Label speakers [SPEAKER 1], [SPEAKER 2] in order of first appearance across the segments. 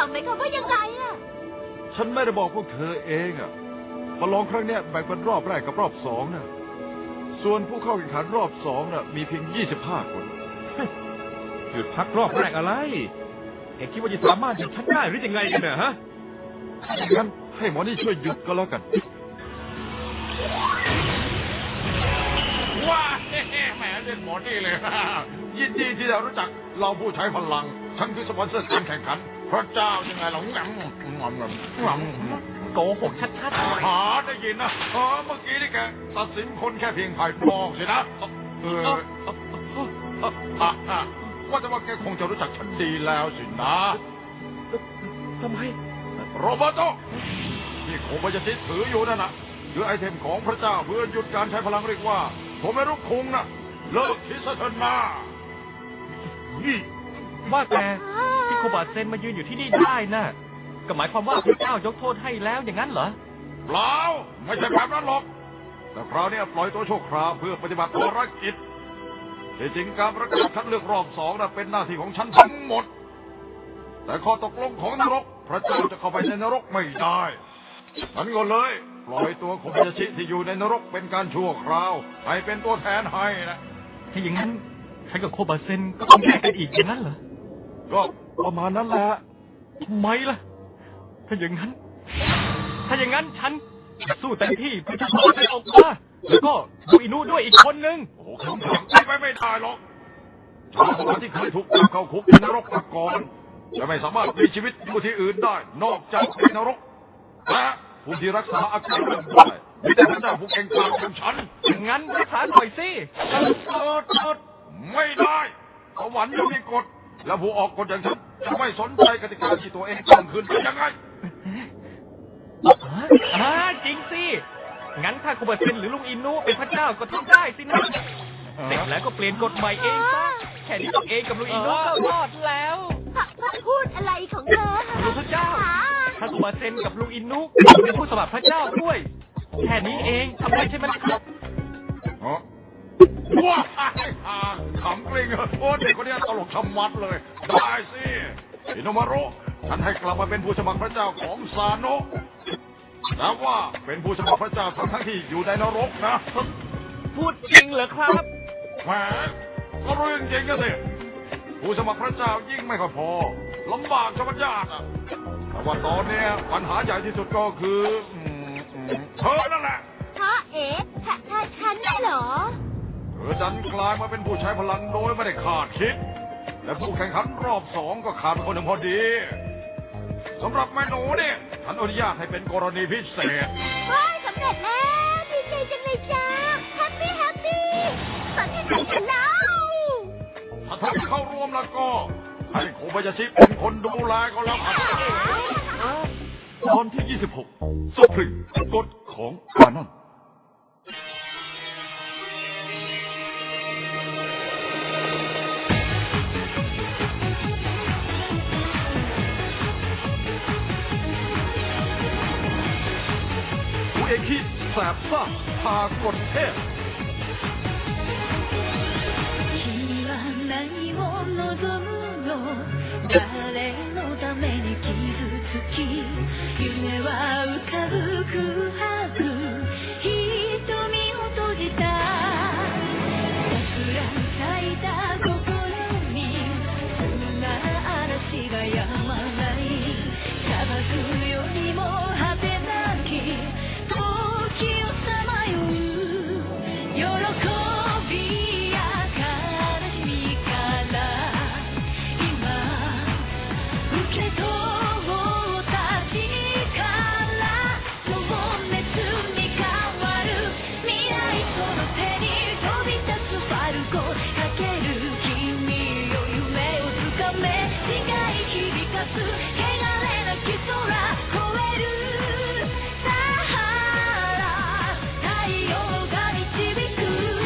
[SPEAKER 1] หมายความว่ายังไงอ่ะ
[SPEAKER 2] ฉันไม่ได้บอกพวกเธอเองอ่ะประลองครั้งนี้แบ่งเป็นรอบแรกกับรอบสองนะส่วนผู้เข้าแข่งขันรอบสองน่ะมีเพียง25 คน
[SPEAKER 3] หยุดพักรอบแรกอะไรเอ็งคิดว่าจะสามารถหยุดฉันได้หรือยังไงกันเนี่ยฮะ
[SPEAKER 2] งั้นให้หมอนี่ช่วยหยุดก็แล้วกัน
[SPEAKER 4] ว้าแหมเล่นหมอนี่เลยยินดีที่ได้รู้จักเราผู้ใช้พลังฉันคือสปอนเซอร์การแข่งขันพระเจ้ายังไงเรางำ
[SPEAKER 3] โกหกชัด
[SPEAKER 4] หาได้ยินนะเมื่อกี้นี่แกตัดสินคนแค่เพียงภายนอกสินะว่าแต่ว่าแกคงจะรู้จักฉันดีแล้วสินะ
[SPEAKER 3] ทำไม
[SPEAKER 4] โรเบโตนี่โคบายาชิถืออยู่นั่นน่ะคือไอเทมของพระเจ้าเพื่อหยุดการใช้พลังเรียกว่าผมไม่รู้คุงนะเลิกคิดซะเถอะนะ
[SPEAKER 3] นี่ว่าแต่ที่โคบาเซนมายืนอยู่ที่นี่ได้น่ะก็หมายความว่าพระเจ้ายกโทษให้แล้วอย่างนั้นเหรอ
[SPEAKER 4] เปล่าไม่ใช่แบบนั้นหรอกแต่คราวนี้ปล่อยตัวชั่วคราวเพื่อปฏิบัติภารกิจที่จริงการประกาศคัดเลือกรอบสองน่ะเป็นหน้าที่ของฉันทั้งหมดแต่ข้อตกลงของนรกพระเจ้าจะเข้าไปในนรกไม่ได้ฉันก็เลยปล่อยตัวโคบายาชิที่อยู่ในนรกเป็นการชั่วคราวให้เป็นตัวแทนให้นะ
[SPEAKER 3] ถ้าอย่างนั้นฉันกับโคบาเซนก็ต้องแยกกันอีกอย่างนั้นเหรอ
[SPEAKER 2] ก็ประมาณนั้นแหละ
[SPEAKER 3] ทำไมล่ะถ้าอย่างนั้นฉันสู้เต็มที่เพื่อจะขอให้ออกมาแล้วก็ดูอินุด้วยอีกคนนึง
[SPEAKER 4] โอ้คำถามไม่ได้หรอกชาวบ้านที่เคยถูกจับเข้าคุกในนรกมาก่อนจะไม่สามารถมีชีวิตอยู่ที่อื่นได้นอกจากในนรกและผู้ที่รักษาอาการได้มีแต่พระเจ้าผู้เก่งกาจอย่างฉัน
[SPEAKER 3] งั้นรักษาหน่อยสิ
[SPEAKER 4] ไม่ได้สวรรค์ยังมีกฎและผู้ออกกฎอย่างฉันจะไม่สนใจกติกาที่ตัวเองตั้งขึ้นได้ยังไง
[SPEAKER 3] จริงสิงั้นถ้าโคบาเซนหรือลุงอินุเป็นพระเจ้าก็ทำได้สินะเสร็จแล้วก็เปลี่ยนกฎใหม่เองซะแค่นี้ตัวเองกับลุงอินุก็รอดแล้ว
[SPEAKER 1] พูดอะไรของเธอ
[SPEAKER 3] ลุงพระเจ้าถ้าโคบาเซนกับลุงอินุเป็นผู้สมัครพระเจ้าด้วยแค่นี้เองทำได้ใช่ไหมครับ
[SPEAKER 4] ว้าขำกลิ้งโอ้เด็กคนนี้ตลกชะมัดเลยได้สิอิโนมารุฉันให้กลับมาเป็นผู้สมัครพระเจ้าของซาโนะแต่ว่าเป็นผู้สมัครพระเจ้าทั้งที่อยู่ในนรกนะ
[SPEAKER 3] พูดจริงเหรอครับ
[SPEAKER 4] แหมก็รู้จริงๆก็สิผู้สมัครพระเจ้ายิ่งไม่ค่อยพอลำบากชะมัดยากแต่ว่าตอนนี้ปัญหาใหญ่ที่สุดก็คือเธอนั่นแหละ
[SPEAKER 1] ฉันได้เหรอ
[SPEAKER 4] เธอดันกลายมาเป็นผู้ใช้พลังโดยไม่ได้คาดคิดและผู้แข่งขันรอบสองก็ขาดคนหนึ่งพอดีสำหรับแม่หนูเนี่ยฉันอนุญาตให้เป็นกรณีพิเศษ
[SPEAKER 1] สำเร็จแล้วดีใจจังเลยจ้าแฮปปี้ตอนที่ไหนกันแล้ว
[SPEAKER 4] ถ้าท่านเข้าร่วมแล้วก็ให้โคบายาชิเป็นคนดูแลก็แล้วกัน
[SPEAKER 2] ตอนที่26 สุพรีมกฎของกานอนเอคิแสบซ่าพากดเทพ
[SPEAKER 5] 誰のために傷つき夢は浮かぶ空白瞳を閉じた桜咲いた心にそんな嵐が止まない砂漠よりも果てなき時をさまよう喜びや悲しみから受け取った力情熱に変わる未来その手に飛び立つファルコかける君よ夢をつかめ誓い響かす汚れなき空越えるサハラ太陽が導く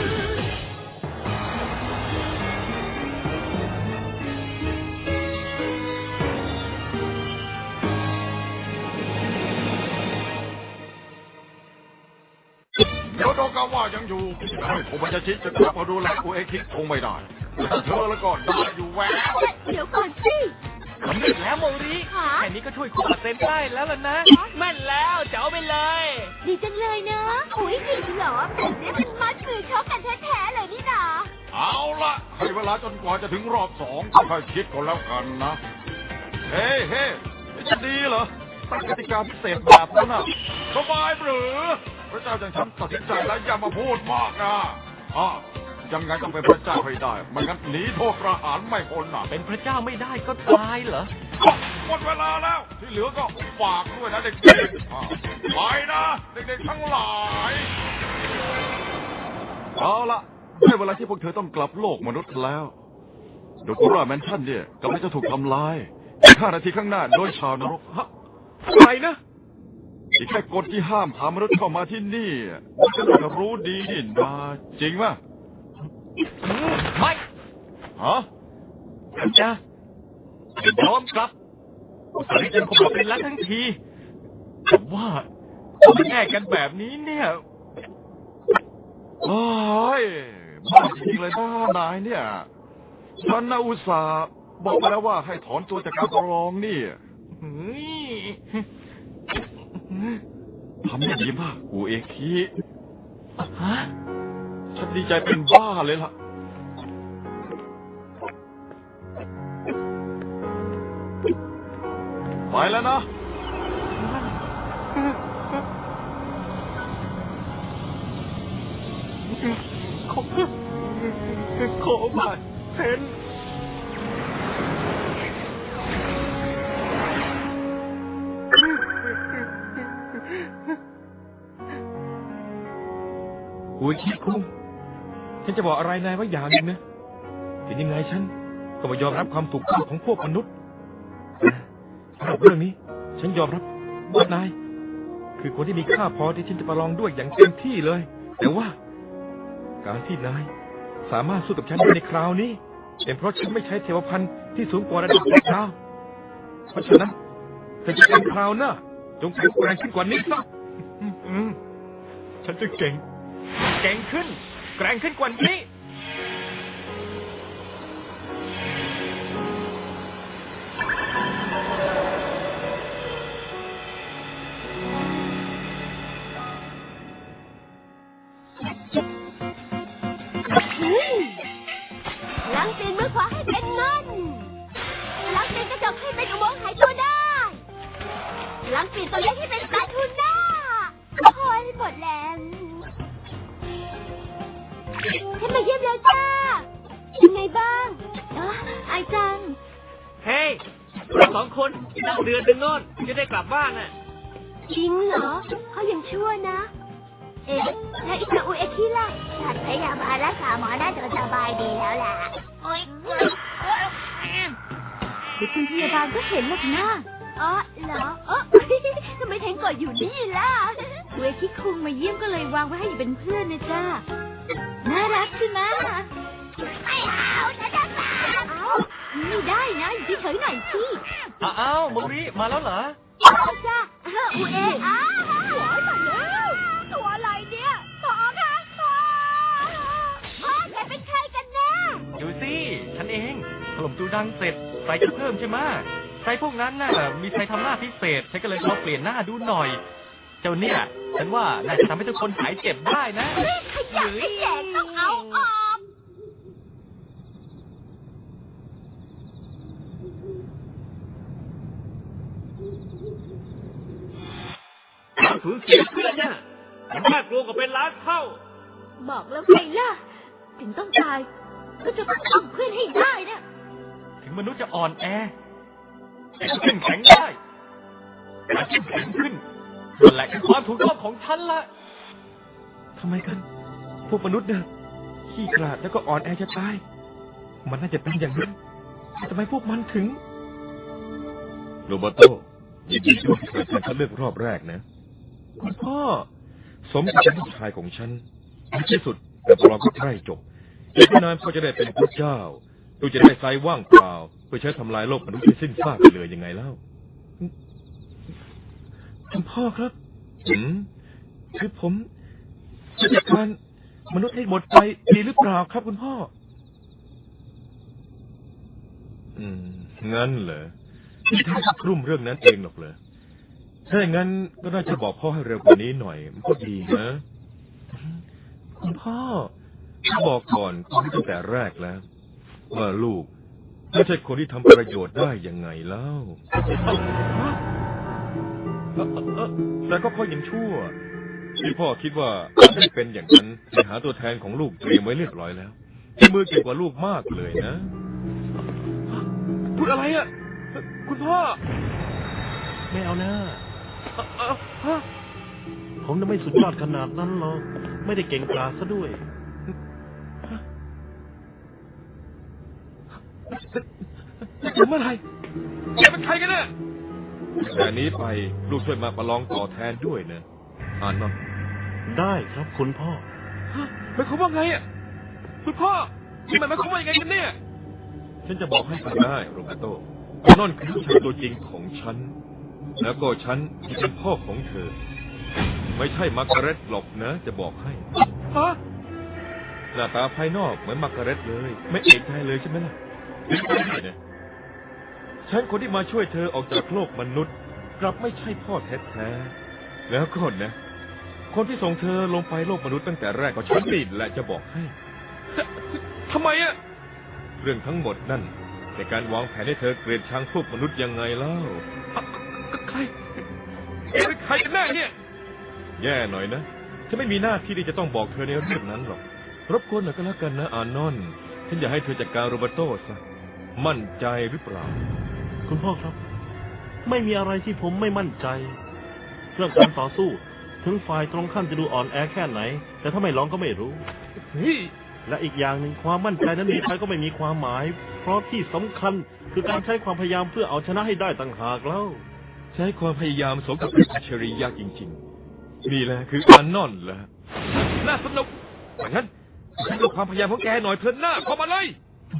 [SPEAKER 4] เดี๋ยวโดกาว่ายังอยู่ให้โคบายาชิจะกลับมาดูแลอุเอคิคงไม่ได้แต่เธอแล้วก็ได้อยู่แวว
[SPEAKER 1] เดี๋ยวก่อนสิ
[SPEAKER 3] สำเร็จแล้วโมริแค่นี้ก็ช่วยคุณเซ็นได้แล้วล่ะนะแม่นแล้วจะเอาไปเลย
[SPEAKER 1] ดีจังเลยนะอุ้ยจริงเหรอแบบนี้มันมัดมือชกกันแท้ๆเลยนี่นา
[SPEAKER 4] เอาละให้เวลาจนกว่าจะถึงรอบ2ค่อยคิดก่อนแล้วกันนะเฮ้จะดีเหรอตั้งกติกาพิเศษแบบนั้นน่ะสบายหรือพระเจ้าอย่างฉันตัดสินใจแล้วอย่ามาพูดมากนะยังไงต้องเป็นพระเจ้าให้ได้ไม่งั้นหนีโทษประหารไม่พ้นน่ะ
[SPEAKER 3] เป็นพระเจ้าไม่ได้ก็ตายเหรอ
[SPEAKER 4] หมดเวลาแล้วที่เหลือก็ฝากด้วยนะเด็กๆไปนะเด็กๆทั้งหลาย
[SPEAKER 2] เอาละได้เวลาที่พวกเธอต้องกลับโลกมนุษย์แล้วโดกุระแมนชั่นเนี่ยกำลังจะถูกทำลายอีก5 นาทีข้างหน้าโดยชาวนรก
[SPEAKER 3] อะไรนะ
[SPEAKER 2] อีกแค่กฎที่ห้ามพามนุษย์เข้ามาที่นี่มันก็น่าจะรู้ดีนี่นาจริงไหม
[SPEAKER 3] ไม่
[SPEAKER 2] ฮะ
[SPEAKER 3] จะยอมกลับอุตส่าห์จะคงมาเป็นแล้วทั้งทีแต่ว่าไม่แน่กันแบบนี้เนี่ย
[SPEAKER 2] โอ้ยบ้าจริงเลยนะนายเนี่ยฉันน่ะอุตส่าห์บอกไปแล้วว่าให้ถอนตัวจากการประลองนี่ทำได้ดีมากกูเอคิฉันดีใจเป็นบ้าเลยล่ะไปแล้วนะ
[SPEAKER 3] ขอมาเซ็นอุ้ยคิดคุ้มฉันจะบอกอะไรนายว่าอย่างนึงนะเป็นยังไงฉันก็มายอมรับความถูกต้องของพวกมนุษย์สำหรับเรื่องนี้ฉันยอมรับว่านายคือคนที่มีค่าพอที่ฉันจะประลองด้วยอย่างเต็มที่เลยแต่ว่าการที่นายสามารถสู้กับฉันได้ในคราวนี้เป็นเพราะฉันไม่ใช้เทวพันธ์ที่สูงกว่าระดับดาวเพราะฉะนั้นเธอจะเป็นคราวหน้าจงแข็งแกร่งขึ้นกว่านี้ซะฉันจะเก่งขึ้นแกร่งขึ้นกว่านี้
[SPEAKER 1] ล้างตีนมือขวาให้เป็นเงินล้างตีนกระจกให้เป็นอุโมงค์หายตัวได้ล้างตีนตัวเล็กให้เป็นปลาทูน่าคอยหมดแรงฉันมาเยี่ยมแล้วจ้าเป็นไงบ้างไอจัง
[SPEAKER 3] เฮ้ยเรา2 คนนั่งเรือดึงโน่นจะได้กลับบ้านน่ะ
[SPEAKER 1] จริงเหรอเขายังชั่วนะแล้วอิตาอุเอคิล่ะฉันพยายามมารักษาหมอน่าจะสบายดีแล้วล่ะโอ๊ยเดี๋ยวคุณพยาบาลก็เห็นหรอกนะเหรอทำไมแทงกอดอยู่นี่ล่ะอุเอคิคุงมาเยี่ยมก็เลยวางไว้ให้อยู่เป็นเพื่อนนะจ้าน่ารักใช่ไหมไม่เอาฉันจะตามไม่ได้นะอยู่เฉยๆหน่อยสิ
[SPEAKER 3] อ้าวมุริมาแล้วเหรอ
[SPEAKER 1] จ้าอุเอหัวมาแล้วตัวอะไรเนี่ยต่อค่ะแกเป็นใครกันแน่
[SPEAKER 3] ดูสิฉันเองถล่มตูดังเสร็จใส่จะเพิ่มใช่ไหมใส่พวกนั้นน่ะมีใครทำหน้าพิเศษฉันก็เลยลองเปลี่ยนหน้าดูหน่อยเจ้าเนี่ยฉันว่าน่าจะทำให้ทุกคนหายเจ็บได้นะ
[SPEAKER 1] ขยันให้แจกต้องเอาออก
[SPEAKER 3] สูญเสียเพื่อนเนี่ยมันน่ากลัวกว่าเป็นล้านเท่า
[SPEAKER 1] บอกแล้วไงล่ะถึงต้องตายก็จะต้องเอาเพื่อนให้ได้นะ
[SPEAKER 3] ถึงมนุษย์จะอ่อนแอแต่ก็เข้มแข็งได้การเข้มแข็งขึ้นนั่นแหละคือความถูกต้องของฉันละทำไมกันพวกมนุษย์เนี่ยขี้ขลาดแล้วก็อ่อนแอจะตายมันน่าจะเป็นอย่างนั้นแต่ทำไมพวกมันถึง
[SPEAKER 6] โรเบโต้ยินดีด้วยที่การคัดเลือกรอบแรกนะ
[SPEAKER 3] คุณพ่อ
[SPEAKER 6] สมกับเป็นลูกชายของฉันในที่สุดแต่ประลองก็ใกล้จบอีกไม่นานพ่อจะได้เป็นพระเจ้าลูกจะได้ไซว่างเปล่าเพื่อใช้ทำลายโลกมนุษย์ให้สิ้นซากไปเลยยังไงเล่า
[SPEAKER 3] คุณพ่อครับ
[SPEAKER 6] คือ
[SPEAKER 3] ผมจะจัดการมนุษย์ให้หมดไปดีหรือเปล่าครับคุณพ่อ
[SPEAKER 6] งั้นเหรอ
[SPEAKER 3] ที่ท่านกลุ่มเรื่องนั้นเองหรอกเลยถ้าอย่างนั้นก็น่าจะบอกพ่อให้เร็วกว่านี้หน่อยมันก็ดีนะคุณพ่อบอกก่อนตั้งแต่แรกแล้วว่าลูกไม่ใช่คนที่ทำประโยชน์ได้ยังไงเล่าแต่ก็พ่อยังชั่วที่พ่อคิดว่าไม่เป็นอย่างนั้นไปหาตัวแทนของลูกเตรียมไว้เรียบร้อยแล้วที่มือเก่งกว่าลูกมากเลยนะพูดอะไรอ่ะคุณพ่อ
[SPEAKER 7] ไม่เอานะผมน่ะไม่สุดยอดขนาดนั้นหรอกไม่ได้เก่งกาจซะด้วย
[SPEAKER 3] เมื่อไหร่แกเป็นใครกันเนี่ยแต่นี้ไปลูกช่วยมาประลองต่อแทนด้วยนะอ่านมั้ง
[SPEAKER 7] ได้ครับคุณพ่อ
[SPEAKER 3] หมายความว่าไงอ่ะคุณพ่อนี่มันหมายความว่ายังไงกันเนี่ยฉันจะบอกให้ฟังได้โรเบโตนั่นคือลูกชายตัวจริงของฉันแล้วก็ฉันที่เป็นพ่อของเธอไม่ใช่มาร์กาเร็ตหรอกนะจะบอกให้ฮะหน้าตาภายนอกเหมือนมาร์กาเร็ตเลยไม่เอกใจเลยใช่ไหมล่ะนี่นะฉันคนที่มาช่วยเธอออกจากโลกมนุษย์กลับไม่ใช่พ่อแท้ๆแล้วก็นะคนที่ส่งเธอลงไปโลกมนุษย์ตั้งแต่แรกก็ฉันนี่แหละจะบอกให้ทำไมอะเรื่องทั้งหมดนั่นในการวางแผนให้เธอเกลียดชังพวกมนุษย์ยังไงเล่าใครเป็นใครกันแน่เนี่ยแย่หน่อยนะฉันไม่มีหน้าที่ที่จะต้องบอกเธอในเรื่องนั้นหรอกรบกวนหน่อยก็แล้วกันนะอานอนฉันอยากให้เธอจัดการโรเบโต้ซะมั่นใจหรือเปล่า
[SPEAKER 7] คุณพ่อครับไม่มีอะไรที่ผมไม่มั่นใจเรื่องการต่อสู้ถึงฝ่ายตรงข้ามจะดูอ่อนแอแค่ไหนแต่ถ้าไม่ลองก็ไม่รู้และอีกอย่างหนึ่งความมั่นใจนั้นมีไปก็ไม่มีความหมายเพราะที่สำคัญคือการใช้ความพยายามเพื่อเอาชนะให้ได้ต่างหากแล้ว
[SPEAKER 3] ใช้ความพยายามสมกับเป็นอัจฉริยะจริงๆนี่แหละคืออานอนแหละน่าสนุกอย่างนั้นให้ดูความพยายามของแกหน่อยเถอะหน้าเข้ามาเลย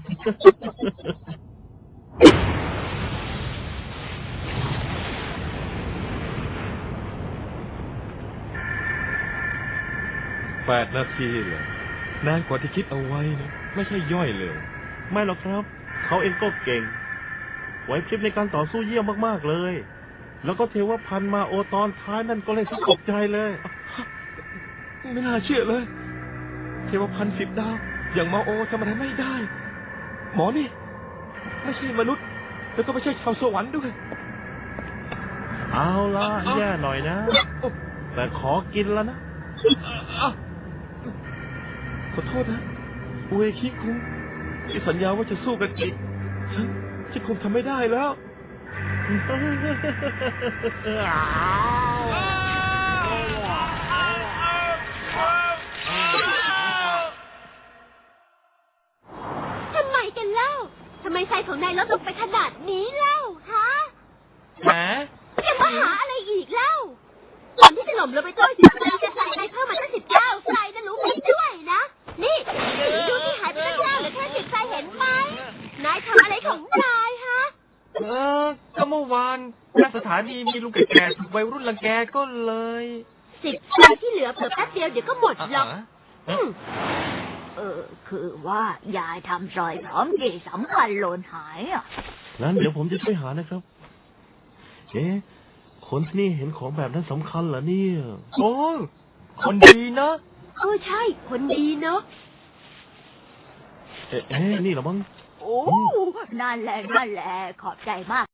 [SPEAKER 3] 8 นาทีเลยนานกว่าที่คิดเอาไว้นะไม่ใช่ย่อยเลย
[SPEAKER 7] ไม่หรอกครับเขาเองก็เก่งไหวพริบในการต่อสู้เยี่ยมมากๆเลยแล้วก็เทวพันธ์มาโอตอนท้ายนั่นก็เลยสะกดใจเลย
[SPEAKER 3] ไม่น่าเชื่อเลยเทวพันธ์10 ดาวอย่างมาโอทำอะไรไม่ได้หมอนี่ไม่ใช่มนุษย์แล้วก็ไม่ใช่ชาวสวรรค์ด้วย
[SPEAKER 7] เอาล่ะแย่หน่อยนะแต่ขอกินแล้วนะ
[SPEAKER 3] ขอโทษนะอุเอคิคุงที่สัญญาว่าจะสู้กันอีกฉันคงทำไม่ได้แล้ว
[SPEAKER 1] ทำไมกันเล่าทำไมไฟของนายลดลงไปขนาดนี้เล่าฮะจะมาหาอะไรอีกเล่าก่อนที่จะหล่มลงไปตัว10 ไฟจะใส่นายเพิ่มมาตั้ง19 ไฟนะรู้ไหมด้วยนะนี่ดูที่หายไปตั้ง9เหลือแค่10 ไฟเห็นไหมนายทำอะไรของนายฮะ
[SPEAKER 8] ก็เมื่อวานหน้าสถานีมีลุงแก่ๆถูกวัยรุ่นรังแกก็เลย
[SPEAKER 1] 10 ไฟที่เหลือเผื่อแป๊บเดียวเดี๋ยวก็หมดหรอกคือว่ายายทำซอยพร้อมกี่สำคัญหล่นหายอ่ะ
[SPEAKER 7] งั้นเดี๋ยวผมจะช่วยหานะครับคนที่นี่เห็นของแบบนั้นสำคัญเหรอเนี่ย
[SPEAKER 8] โอ้คนดีนะ
[SPEAKER 1] ใช่คนดีเนาะ
[SPEAKER 7] นี่เหรอมั้ง
[SPEAKER 1] โอ้นั่นแหละขอบใจมาก